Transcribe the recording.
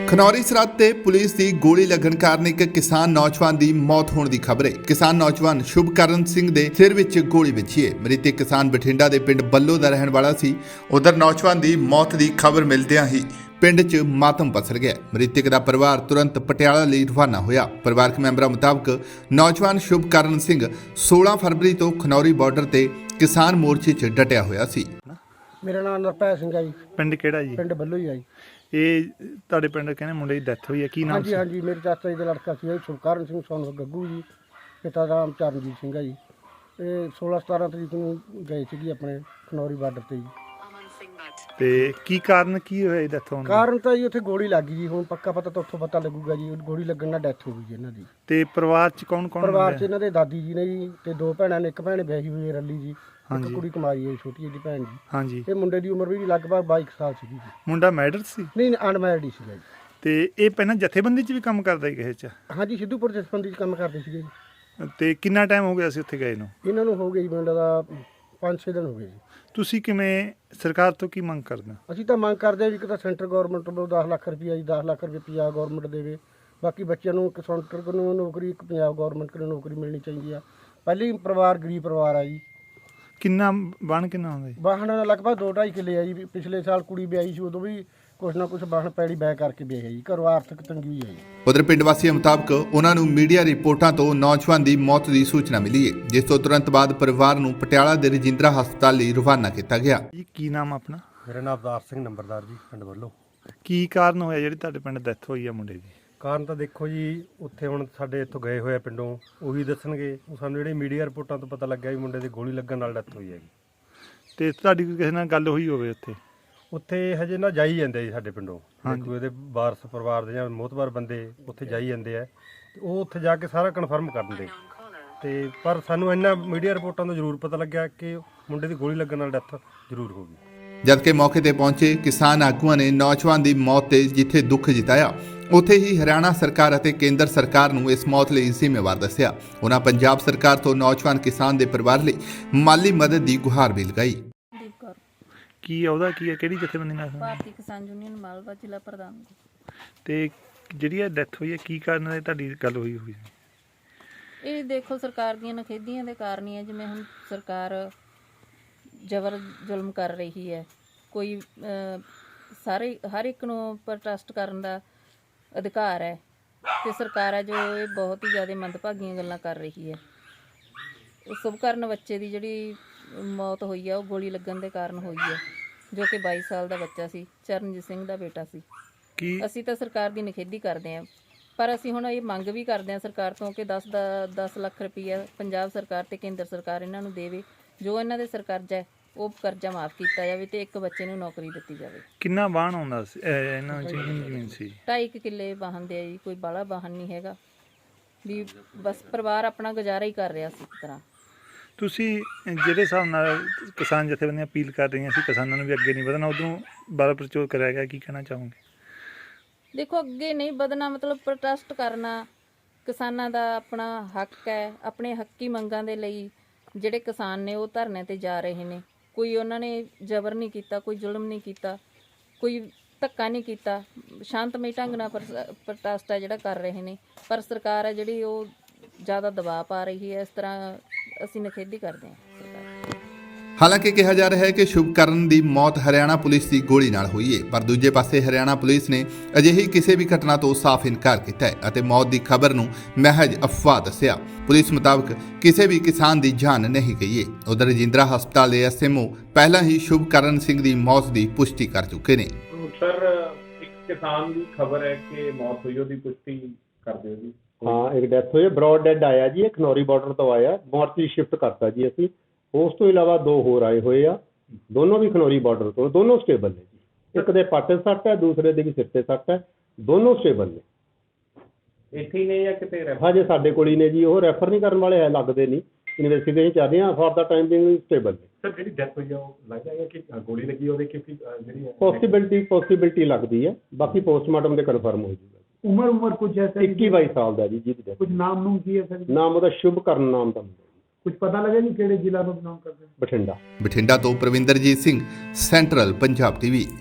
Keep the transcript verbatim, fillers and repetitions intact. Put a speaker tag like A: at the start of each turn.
A: ਖਨੌਰੀ ਸਰਹੱਦ ਤੇ ਪੁਲਿਸ ਦੀ ਗੋਲੀ ਲੱਗਣ ਕਾਰਨ ਇੱਕ ਕਿਸਾਨ ਨੌਜਵਾਨ ਦੀ ਮੌਤ ਹੋਣ ਦੀ ਖਬਰ ਹੈ। ਕਿਸਾਨ ਨੌਜਵਾਨ ਸ਼ੁਭਕਰਨ ਸਿੰਘ ਦੇ ਸਿਰ ਵਿੱਚ ਗੋਲੀ ਵੱਜੀ ਹੈ। ਮ੍ਰਿਤਕ ਕਿਸਾਨ ਬਠਿੰਡਾ ਦੇ ਪਿੰਡ ਬੱਲੋ ਦਾ ਰਹਿਣ ਵਾਲਾ ਸੀ। ਉਧਰ ਨੌਜਵਾਨ ਦੀ ਮੌਤ ਦੀ ਖਬਰ ਮਿਲਦਿਆਂ ਹੀ ਪਿੰਡ 'ਚ ਮਾਤਮ ਪਸਰ ਗਿਆ। ਮ੍ਰਿਤਕ ਦਾ ਪਰਿਵਾਰ ਤੁਰੰਤ ਪਟਿਆਲਾ ਲਈ ਰਵਾਨਾ ਹੋਇਆ। ਪਰਿਵਾਰਕ ਮੈਂਬਰਾਂ ਮੁਤਾਬਕ ਨੌਜਵਾਨ ਸ਼ੁਭਕਰਨ ਸਿੰਘ सोलह ਫਰਵਰੀ ਤੋਂ ਖਨੌਰੀ ਬਾਰਡਰ ਤੇ ਕਿਸਾਨ ਮੋਰਚੇ 'ਚ ਡਟਿਆ ਹੋਇਆ ਸੀ।
B: ਮੇਰਾ ਨਾਮ ਨਰਪੈ ਸਿੰਘ ਹੈ ਜੀ।
C: ਪਿੰਡ ਕਿਹੜਾ ਜੀ?
B: ਪਿੰਡ ਬੱਲੋ ਹੀ ਆ ਜੀ।
C: ਇਹ ਤੁਹਾਡੇ ਪਿੰਡ ਕਹਿੰਦੇ ਮੁੰਡੇ ਦੀ ਡੈਥ ਹੋਈ ਹੈ, ਕੀ ਨਾਮ
B: ਹਾਂਜੀ
C: ਸੀ?
B: ਹਾਂਜੀ ਮੇਰੇ ਚਾਚਾ ਜੀ ਦਾ ਲੜਕਾ ਸੀ ਜੀ, ਸ਼ੁਭਕਰਨ ਸਿੰਘ ਸੋਨ ਗੱਗੂ ਜੀ। ਪਿਤਾ ਦਾ ਨਾਮ ਚਰਨਜੀਤ ਸਿੰਘ ਹੈ ਜੀ। ਇਹ सोलह सतारह ਤਰੀਕ ਨੂੰ ਗਏ ਸੀਗੇ ਆਪਣੇ ਖਨੌਰੀ ਬਾਰਡਰ ਤੇ ਜੀ।
C: ਤੇ ਕੀ ਕਾਰਨ ਕੀ ਹੋਇਆ ਇਹ ਡੈਥ ਹੋਣ ਦਾ?
B: ਕਾਰਨ ਤਾਂ ਜੀ ਉੱਥੇ ਗੋਲੀ ਲੱਗ ਗਈ ਜੀ। ਹੁਣ ਪੱਕਾ ਪਤਾ ਤਾਂ ਉੱਥੋਂ ਪਤਾ ਲੱਗੂਗਾ ਜੀ। ਗੋਲੀ ਲੱਗਣ ਨਾਲ ਡੈਥ ਹੋ ਗਈ ਜੀ ਇਹਨਾਂ ਦੀ।
C: ਤੇ ਪਰਿਵਾਰ ਚ ਕੌਣ ਕੌਣ?
B: ਪਰਿਵਾਰ 'ਚ ਇਹਨਾਂ ਦੇ ਦਾਦੀ ਜੀ ਨੇ ਜੀ ਤੇ ਦੋ ਭੈਣਾਂ ਨੇ। ਇੱਕ ਭੈਣ ਵਿਆਹੀ ਹੋਈ ਹੈ ਰੱਲੀ ਜੀ, ਇੱਕ
C: ਹਾਂਜੀ।
B: ਕੁੜੀ ਕੁਮਾਰੀ ਹੈ ਛੋਟੀ ਜਿਹੀ ਭੈਣ ਜੀ।
C: ਹਾਂਜੀ।
B: ਇਹ ਮੁੰਡੇ ਦੀ ਉਮਰ ਵੀ ਲਗਭਗ ਬਾਈ ਕੁ ਸਾਲ ਸੀਗੀ ਜੀ।
C: ਮੁੰਡਾ ਮੈਰਿਡ ਸੀ?
B: ਨਹੀਂ ਅਨਮੈਰਿਡ ਹੀ ਸੀਗਾ ਜੀ।
C: ਤੇ ਇਹ ਪਹਿਲਾਂ ਜਥੇਬੰਦੀ ਚ ਵੀ ਕੰਮ ਕਰਦਾ ਸੀ ਕਿਸੇ ਚ?
B: ਹਾਂਜੀ ਸਿੱਧੂਪੁਰ ਜਥੇਬੰਦੀ 'ਚ ਕੰਮ ਕਰਦੇ ਸੀਗੇ ਜੀ।
C: ਤੇ ਕਿੰਨਾ ਟਾਈਮ ਹੋ ਗਿਆ ਸੀ ਉੱਥੇ ਗਏ ਨੂੰ?
B: ਇਹਨਾਂ ਨੂੰ ਹੋ ਗਏ ਜੀ ਮੈਨੂੰ ਲੱਗਦਾ ਪੰਜ ਛੇ ਦਿਨ ਹੋ ਗਏ ਜੀ।
C: ਤੁਸੀਂ ਕਿਵੇਂ ਸਰਕਾਰ ਤੋਂ ਕੀ ਮੰਗ ਕਰਦੇ ਹੋ?
B: ਅਸੀਂ ਤਾਂ ਮੰਗ ਕਰਦੇ ਹਾਂ ਵੀ ਕਿ ਤਾਂ ਸੈਂਟਰ ਗਵਰਨਮੈਂਟ ਵੱਲੋਂ ਦਸ ਲੱਖ ਰੁਪਈਆ ਜੀ ਦਸ ਲੱਖ ਰੁਪਏ ਪੰਜਾਬ ਗਵਰਨਮੈਂਟ ਦੇਵੇ। ਬਾਕੀ ਬੱਚਿਆਂ ਨੂੰ ਇੱਕ ਸੈਂਟਰ ਨੂੰ ਨੌਕਰੀ, ਇੱਕ ਪੰਜਾਬ ਗਵਰਨਮੈਂਟ ਨੂੰ ਨੌਕਰੀ ਮਿਲਣੀ ਚਾਹੀਦੀ ਆ। ਪਹਿਲੀ ਪਰਿਵਾਰ ਗਰੀਬ ਪਰਿਵਾਰ ਆ ਜੀ।
C: ਕਿੰਨਾ ਬਣ ਕਿੰਨਾ ਹੁੰਦਾ ਜੀ?
B: ਵਾਹਣ ਲਗਭਗ ਦੋ ਢਾਈ ਕਿੱਲੇ ਆ ਜੀ। ਪਿਛਲੇ ਸਾਲ ਕੁੜੀ ਵਿਆਹੀ ਸੀ, ਉਦੋਂ ਵੀ ਕੁਛ ਨਾ ਕੁਛ ਵਾਹਣ ਪੈੜੀ ਬੈ ਕਰਕੇ ਵਿਆਹੀ ਜੀ। ਘਰੋਂ ਆਰਥਿਕ ਤੰਗੀ ਹੈ ਜੀ।
A: ਉਧਰ ਪਿੰਡ ਵਾਸੀਆਂ ਮੁਤਾਬਕ ਉਹਨਾਂ ਨੂੰ ਮੀਡੀਆ ਰਿਪੋਰਟਾਂ ਤੋਂ ਨੌਜਵਾਨ ਦੀ ਮੌਤ ਦੀ ਸੂਚਨਾ ਮਿਲੀ ਹੈ, ਜਿਸ ਤੋਂ ਤੁਰੰਤ ਬਾਅਦ ਪਰਿਵਾਰ ਨੂੰ ਪਟਿਆਲਾ ਦੇ ਰਜਿੰਦਰਾ ਹਸਪਤਾਲ ਲਈ ਰਵਾਨਾ ਕੀਤਾ ਗਿਆ।
C: ਜੀ ਕੀ ਨਾਮ ਆਪਣਾ?
D: ਮੇਰਾ ਨਾਮ ਅਵਤਾਰ ਸਿੰਘ ਨੰਬਰਦਾਰ ਜੀ, ਪਿੰਡ ਵੱਲੋਂ।
C: ਕੀ ਕਾਰਨ ਹੋਇਆ ਜਿਹੜੀ ਤੁਹਾਡੇ ਪਿੰਡ ਡੈਥ ਹੋਈ ਆ ਮੁੰਡੇ ਦੀ?
D: ਕਾਰਨ ਤਾਂ ਦੇਖੋ ਜੀ, ਉੱਥੇ ਹੁਣ ਸਾਡੇ ਇੱਥੋਂ ਗਏ ਹੋਏ ਆ ਪਿੰਡੋਂ, ਉਹੀ ਦੱਸਣਗੇ। ਉਹ ਸਾਨੂੰ ਜਿਹੜੇ ਮੀਡੀਆ ਰਿਪੋਰਟਾਂ ਤੋਂ ਪਤਾ ਲੱਗਿਆ ਵੀ ਮੁੰਡੇ ਦੀ ਗੋਲੀ ਲੱਗਣ ਨਾਲ ਡੈਥ ਹੋਈ ਹੈਗੀ।
C: ਤੇ ਤੁਹਾਡੀ ਕੋਈ ਕਿਸੇ ਨਾਲ ਗੱਲ ਹੋਈ ਹੋਵੇ ਉੱਥੇ?
D: ਉੱਥੇ ਹਜੇ ਨਾ ਜਾਈ ਜਾਂਦੇ ਜੀ ਸਾਡੇ ਪਿੰਡੋਂ। ਕੋਈ ਉਹਦੇ ਵਾਰਸ ਪਰਿਵਾਰ ਦੇ ਜਾਂ ਮੋਹਤਬਾਰ ਬੰਦੇ ਉੱਥੇ ਜਾਈ ਜਾਂਦੇ ਆ, ਤੇ ਉਹ ਉੱਥੇ ਜਾ ਕੇ ਸਾਰਾ ਕਨਫਰਮ ਕਰ ਦਿੰਦੇ। ਤੇ ਪਰ ਸਾਨੂੰ ਇੰਨਾ ਮੀਡੀਆ ਰਿਪੋਰਟਾਂ ਤੋਂ ਜ਼ਰੂਰ ਪਤਾ ਲੱਗਿਆ ਕਿ ਮੁੰਡੇ ਦੀ ਗੋਲੀ ਲੱਗਣ ਨਾਲ ਡੈਥ ਜ਼ਰੂਰ ਹੋ ਗਈ।
A: ਜਦਕਿ ਮੌਕੇ ਤੇ ਪਹੁੰਚੇ ਕਿਸਾਨ ਆਗੂਆਂ ਨੇ ਨੌਜਵਾਨ ਦੀ ਮੌਤ ਤੇ ਜਿੱਥੇ ਦੁੱਖ ਜਤਾਇਆ, ਉੱਥੇ ਹੀ ਹਰਿਆਣਾ ਸਰਕਾਰ ਅਤੇ ਕੇਂਦਰ ਸਰਕਾਰ ਨੂੰ ਇਸ ਮੌਤ ਲਈ ਜ਼ਿੰਮੇਵਾਰ ਦੱਸਿਆ। ਉਹਨਾਂ ਪੰਜਾਬ ਸਰਕਾਰ ਤੋਂ ਨੌਜਵਾਨ ਕਿਸਾਨ ਦੇ ਪਰਿਵਾਰ ਲਈ ਮਾਲੀ ਮਦਦ ਦੀ ਗੁਹਾਰ ਵੀ ਲਗਾਈ।
C: ਕੀ ਉਹਦਾ ਕੀ ਹੈ, ਕਿਹੜੀ ਜਥੇਬੰਦੀ ਨਾਲ?
E: ਭਾਰਤੀ ਕਿਸਾਨ ਯੂਨੀਅਨ ਮਾਲਵਾ ਜ਼ਿਲ੍ਹਾ ਪ੍ਰਧਾਨ।
C: ਤੇ ਜਿਹੜੀ ਇਹ ਡੈਥ ਹੋਈ ਹੈ ਕੀ ਕਾਰਨ ਹੈ ਤੁਹਾਡੀ ਗੱਲ ਹੋਈ ਹੋਈ?
E: ਇਹ ਦੇਖੋ ਸਰਕਾਰ ਦੀਆਂ ਨਖੇਧੀਆਂ ਦੇ ਕਾਰਨ ਹੀ ਹੈ। ਜਿਵੇਂ ਹੁਣ ਸਰਕਾਰ ਜ਼ਬਰ ਜ਼ੁਲਮ ਕਰ ਰਹੀ ਹੈ। ਕੋਈ ਅਹ, ਸਾਰੇ ਹਰ ਇੱਕ ਨੂੰ ਪ੍ਰੋਟੈਸਟ ਕਰਨ ਦਾ ਅਧਿਕਾਰ ਹੈ, ਤੇ ਸਰਕਾਰ ਹੈ ਜੋ ਇਹ ਬਹੁਤ ਹੀ ਜ਼ਿਆਦਾ ਮੰਦਭਾਗੀਆਂ ਗੱਲਾਂ ਕਰ ਰਹੀ ਹੈ। ਸ਼ੁਭਕਰਨ ਬੱਚੇ ਦੀ ਜਿਹੜੀ ਮੌਤ ਹੋਈ ਹੈ ਉਹ ਗੋਲੀ ਲੱਗਣ ਦੇ ਕਾਰਨ ਹੋਈ ਹੈ, ਜੋ ਕਿ ਬਾਈ ਸਾਲ ਦਾ ਬੱਚਾ ਸੀ, ਚਰਨਜੀਤ ਸਿੰਘ ਦਾ ਬੇਟਾ ਸੀ।
C: ਕੀ
E: ਅਸੀਂ ਤਾਂ ਸਰਕਾਰ ਦੀ ਨਿਖੇਧੀ ਕਰਦੇ ਹਾਂ, ਪਰ ਅਸੀਂ ਹੁਣ ਇਹ ਮੰਗ ਵੀ ਕਰਦੇ ਹਾਂ ਸਰਕਾਰ ਤੋਂ ਕਿ ਦਸ ਦਾ ਦਸ ਲੱਖ ਰੁਪਈਆ ਪੰਜਾਬ ਸਰਕਾਰ ਤੇ ਕੇਂਦਰ ਸਰਕਾਰ ਇਹਨਾਂ ਨੂੰ ਦੇਵੇ। ਜੋ ਇਹਨਾਂ ਦੇ ਸਿਰ ਕਰਜ਼ਾ ਹੈ ਉਹ ਕਰਜ਼ਾ ਮਾਫ ਕੀਤਾ ਜਾਵੇ ਤੇ ਇੱਕ ਬੱਚੇ ਨੂੰ ਨੌਕਰੀ ਦਿੱਤੀ ਜਾਵੇ।
C: ਕਿੰਨਾ ਵਾਹਣ ਆਉਂਦਾ ਸੀ ਇਹਨਾਂ ਚ? ਜ਼ਮੀਨ ਸੀ
E: ਢਾਈ ਕੁ ਕਿੱਲੇ ਵਾਹਨ ਦੇ ਆ ਜੀ। ਕੋਈ ਬਾਹਲਾ ਵਾਹਨ ਨਹੀਂ ਹੈਗਾ ਵੀ, ਬਸ ਪਰਿਵਾਰ ਆਪਣਾ ਗੁਜ਼ਾਰਾ ਹੀ ਕਰ ਰਿਹਾ ਸੀ ਇੱਕ ਤਰ੍ਹਾਂ।
C: ਤੁਸੀਂ ਜਿਹੜੇ ਹਿਸਾਬ ਨਾਲ ਕਿਸਾਨ ਜਥੇਬੰਦੀਆਂ ਅਪੀਲ ਕਰ ਰਹੀਆਂ ਸੀ ਕਿਸਾਨਾਂ ਨੂੰ ਵੀ ਅੱਗੇ ਨਹੀਂ ਵਧਣਾ, ਉਧਰੋਂ ਬਾਰਾ ਪ੍ਰਚੋਰ ਕਰਿਆ ਗਿਆ, ਕੀ ਕਹਿਣਾ ਚਾਹੋਗੇ?
E: ਦੇਖੋ ਅੱਗੇ ਨਹੀਂ ਵਧਣਾ ਮਤਲਬ ਪ੍ਰੋਟੈਸਟ ਕਰਨਾ ਕਿਸਾਨਾਂ ਦਾ ਆਪਣਾ ਹੱਕ ਹੈ। ਆਪਣੇ ਹੱਕੀ ਮੰਗਾਂ ਦੇ ਲਈ ਜਿਹੜੇ ਕਿਸਾਨ ਨੇ ਉਹ ਧਰਨੇ ਤੇ ਜਾ ਰਹੇ ਨੇ। ਕੋਈ ਉਹਨਾਂ ਨੇ ਜ਼ਬਰ ਨਹੀਂ ਕੀਤਾ, ਕੋਈ ਜ਼ੁਲਮ ਨਹੀਂ ਕੀਤਾ, ਕੋਈ ਧੱਕਾ ਨਹੀਂ ਕੀਤਾ। ਸ਼ਾਂਤਮਈ ਢੰਗ ਨਾਲ ਪ੍ਰੋਟੈਸਟ ਹੈ ਜਿਹੜਾ ਕਰ ਰਹੇ ਨੇ। ਪਰ ਸਰਕਾਰ ਹੈ ਜਿਹੜੀ ਉਹ ਜ਼ਿਆਦਾ ਦਬਾਅ ਪਾ ਰਹੀ ਹੈ। ਇਸ ਤਰ੍ਹਾਂ ਅਸੀਂ ਨਿਖੇਧੀ ਕਰਦੇ ਹਾਂ ਸਰਕਾਰ।
A: ਹਾਲਾਂਕਿ ਕਿਹਾ ਜਾ ਰਿਹਾ ਹੈ ਕਿ ਸ਼ੁਭਕਰਨ ਦੀ ਮੌਤ ਹਰਿਆਣਾ ਪੁਲਿਸ ਦੀ ਗੋਲੀ ਨਾਲ ਹੋਈ ਹੈ, ਪਰ ਦੂਜੇ ਪਾਸੇ ਹਰਿਆਣਾ ਪੁਲਿਸ ਨੇ ਅਜਿਹੀ ਕਿਸੇ ਵੀ ਘਟਨਾ ਤੋਂ ਸਾਫ਼ ਇਨਕਾਰ ਕੀਤਾ ਹੈ ਅਤੇ ਮੌਤ ਦੀ ਖਬਰ ਨੂੰ ਮਹਿਜ ਅਫਵਾਹ ਦੱਸਿਆ। ਪੁਲਿਸ ਮੁਤਾਬਕ ਕਿਸੇ ਵੀ ਕਿਸਾਨ ਦੀ ਜਾਨ ਨਹੀਂ ਗਈ ਹੈ। ਉਧਰ ਰਜਿੰਦਰਾ ਹਸਪਤਾਲ ਦੇ ਐਸ ਐਮ ਓ ਪਹਿਲਾਂ ਹੀ ਸ਼ੁਭਕਰਨ ਸਿੰਘ ਦੀ ਮੌਤ ਦੀ ਪੁਸ਼ਟੀ ਕਰ ਚੁੱਕੇ ਨੇ।
F: ਸਰ ਇੱਕ ਕਿਸਾਨ ਦੀ ਖਬਰ ਹੈ ਕਿ ਮੌਤ ਹੋਈ, ਉਹਦੀ ਪੁਸ਼ਟੀ ਕਰ ਦਿਓ ਜੀ।
G: ਹਾਂ ਇੱਕ ਡੈਥ ਹੋਈ, ਬਰੋਡ ਡੈਡ ਆਇਆ ਜੀ। ਇਹ ਖਨੌਰੀ ਬਾਰਡਰ ਤੋਂ ਆਇਆ, ਮੋਰਚਰੀ ਸ਼ਿਫਟ ਕਰਤਾ ਜੀ ਅਸੀਂ। ਉਸ ਤੋਂ ਇਲਾਵਾ ਦੋ ਹੋਰ ਆਏ ਹੋਏ ਆ, ਦੋਨੋਂ ਵੀ ਖਨੌਰੀ ਬਾਰਡਰ ਤੋਂ, ਦੋਨੋਂ ਸਟੇਬਲ ਨੇ ਜੀ। ਇੱਕ ਦੇ ਪੱਟ ਸੱਟ ਹੈ, ਦੂਸਰੇ ਦੇ ਵੀ ਸਿਰ ਤੇ ਸੱਟ ਹੈ, ਦੋਨੋਂ ਸਟੇਬਲ ਨੇ।
F: ਇੱਥੇ ਹੀ ਨੇ ਜਾਂ ਕਿਤੇ ਰੈਫਰ?
G: ਹਜੇ ਸਾਡੇ ਕੋਲ ਹੀ ਨੇ ਜੀ। ਉਹ ਰੈਫਰ ਨਹੀਂ ਕਰਨ ਵਾਲੇ ਹੈ, ਲੱਗਦੇ ਨਹੀਂ। ਇਨਵੈਸਟੀਗੇਸ਼ਨ ਚੱਲ ਰਹੀ ਆ, for the time being stable ਨੇ।
F: ਸਰ ਜਿਹੜੀ ਡੈਥ ਹੋਈ ਆ ਉਹ ਲੱਗਦਾ ਹੈ ਕਿ ਗੋਲੀ ਲੱਗੀ ਉਹਦੇ, ਕਿਉਂਕਿ ਜਿਹੜੀ
G: ਪੋਸੀਬਿਲਿਟੀ ਪੋਸੀਬਿਲਿਟੀ ਲੱਗਦੀ ਹੈ। ਬਾਕੀ ਪੋਸਟਮਾਰਟਮ ਦੇ ਕਨਫਰਮ ਹੋ ਜਾਊਗਾ।
B: ਉਮਰ ਉਮਰ ਕੁਝ ਹੈ
G: ਇੱਕੀ ਬਾਈ ਸਾਲ ਦਾ ਜੀ ਜਿਹਦੀ
B: ਕੁਝ ਨਾਮ ਨੂੰ ਕੀ ਹੈ ਸਰ?
G: ਨਾਮ ਉਹਦਾ ਸ਼ੁਭਕਰਨ ਨਾਮ ਦਾ ਮੁੰਡਾ।
B: ਕੁਝ ਪਤਾ ਲੱਗਿਆ ਨਹੀਂ ਕਿਹੜੇ ਜ਼ਿਲ੍ਹਾ ਤੋਂ ਬਿਲੋਂਗ ਕਰਦੇ?
G: ਬਠਿੰਡਾ।
A: ਬਠਿੰਡਾ ਤੋਂ ਪ੍ਰਵਿੰਦਰਜੀਤ ਸਿੰਘ, ਸੈਂਟਰਲ ਪੰਜਾਬ ਟੀਵੀ।